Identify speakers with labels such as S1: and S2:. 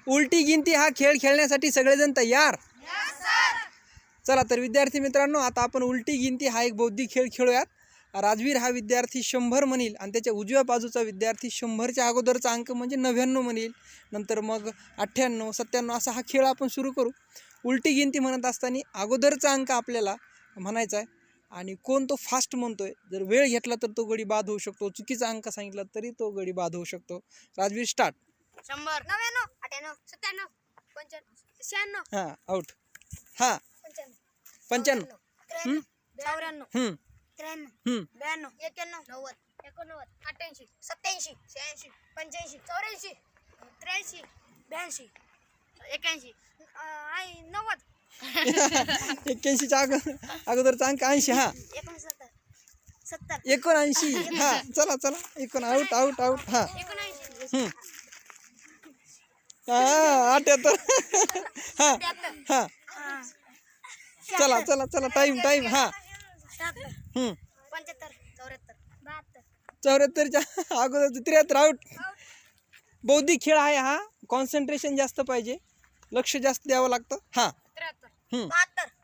S1: उलटी गिनती हा खेळ खेळण्यासाठी सगळेजण तयार? चला तर विद्यार्थी मित्रांनो, आता आपण उलटी गिनती हा एक बौद्धिक खेळ खेळूयात. राजवीर हा विद्यार्थी 100 म्हणील आणि त्याच्या उजव्या बाजूचा विद्यार्थी 100च्या अगोदरचा अंक म्हणजे 99 म्हणील, नंतर मग 98, 97 असा हा खेळ आपण सुरू करू. उलटी गिनती म्हणत असताना अगोदरचा अंक आपल्याला म्हणायचा आहे आणि कोण तो फास्ट म्हणतोय, जर वेळ घेतला तर तो गडी बाद होऊ शकतो, चुकीचा अंक सांगितला तरी तो गडी बाद होऊ शकतो. राजवीर स्टार्ट.
S2: 100 99 98 97 95 96
S1: हां आउट. हां 95
S2: 93 94 93 92 91 90 89 88 87 86 85 84 83 82 81 90
S1: 81च्या अगोदरचा अंक 80. हां
S2: 69 70
S1: 79. हां चला चला आउट आउट आउट. हां
S2: 79
S1: 78. हां हां चला चला चला टाइम. हां
S2: 75 74
S1: 74च्या अगोदर 73. आउट. बौद्धिक खेळ आहे हा, कॉन्सन्ट्रेशन जास्त पाहिजे, लक्ष जास्त द्यावं लागतं. हां
S2: 73 72